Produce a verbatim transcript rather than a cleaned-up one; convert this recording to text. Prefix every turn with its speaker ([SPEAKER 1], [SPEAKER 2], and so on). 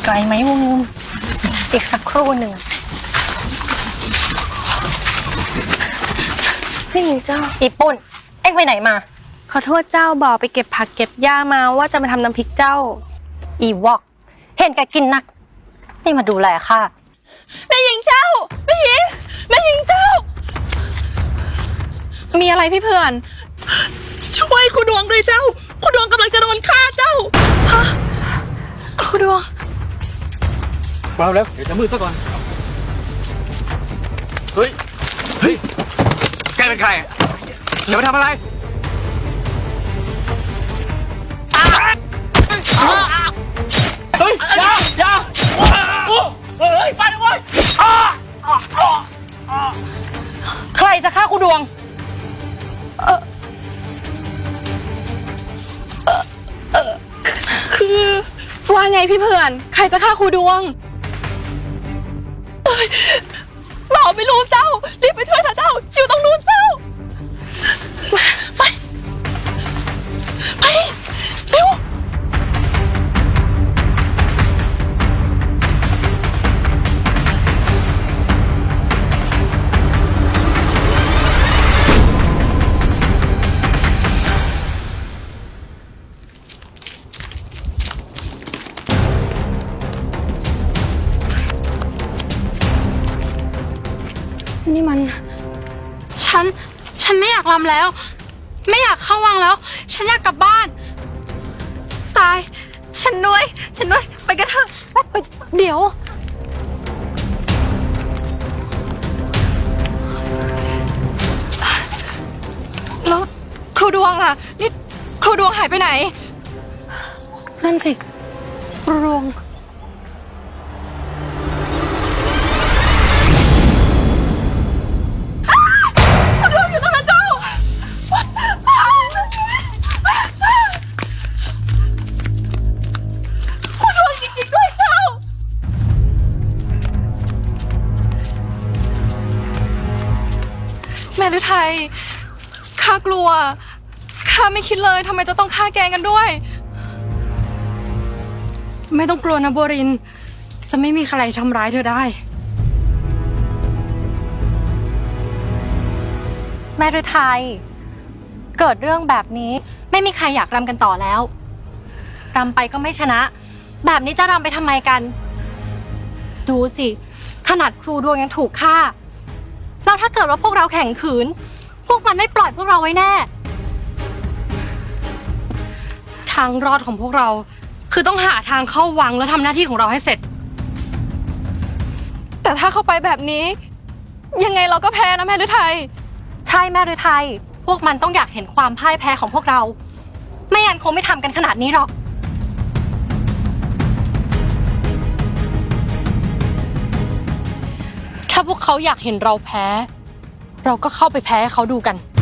[SPEAKER 1] ไกลไหมวงอีกสักครู่หนึ่งพี่หญิงเจ้าอีปุ่นเอ็งไปไหนมาขอโทษเจ้าบอกไปเก็บผักเก็บหญ้ามาว่าจะมาทำน้ำพริกเจ้าอีวอกเห็นแกกินนักนี่มาดูแลค่ะแม่หญิงเจ้าแม่หญิงแม่หญิงเจ้ามีอะไรพี่เพื่อนช่วยคุณดวงด้วยเจ้าคุณดวงกำลังจะโดนฆ่าเจ้าฮะคุณดวง
[SPEAKER 2] เปล่าแล้วเดี๋ยวจะมืดซะก่อนเฮ้ยเฮ้ยแกเป็นใครจะมาทำอะไรเฮ้ยอย่าอย่าเฮ้ยไปเลยเว้ย
[SPEAKER 1] ใครจะฆ่าคุณดวงเออเออคือว่าไงพี่เพื่อนใครจะฆ่าครูดวงเราไม่รู้เจ้ารีบไปช่วยเถอะเจ้าอยู่ตรงนู้นเจ้าไปไปเร็วนี่มันฉันฉันไม่อยากรำแล้วไม่อยากเข้าวังแล้วฉันอยากกลับบ้านตายฉันด้วยฉันด้วยไปกันเถอะเดี๋ยวแล้วครูดวงล่ะนี่ครูดวงหายไปไหนนั่นสิครูดวงแม่ฤทัยข้ากลัวข้าไม่คิดเลยทำไมจะต้องฆ่าแกงกันด้วยไม่ต้องกลัวนะโบรินจะไม่มีใครทำร้ายเธอได้แม่ฤทัยเกิดเรื่องแบบนี้ไม่มีใครอยากรำกันต่อแล้วรำไปก็ไม่ชนะแบบนี้จะรำไปทำไมกันดูสิขนาดครูดวงยังถูกฆ่าแล้วถ้าเกิดว่าพวกเราแข่งขืนพวกมันไม่ปล่อยพวกเราไว้แน่ทางรอดของพวกเราคือต้องหาทางเข้าวังแล้วทำหน้าที่ของเราให้เสร็จแต่ถ้าเข้าไปแบบนี้ยังไงเราก็แพ้นะแม่ฤทัยใช่แม่ฤทัยพวกมันต้องอยากเห็นความพ่ายแพ้ของพวกเราไม่งั้นคงไม่ทำกันขนาดนี้หรอกถ้าพวกเขาอยากเห็นเราแพ้เราก็เข้าไปแพ้ให้เขาดูกัน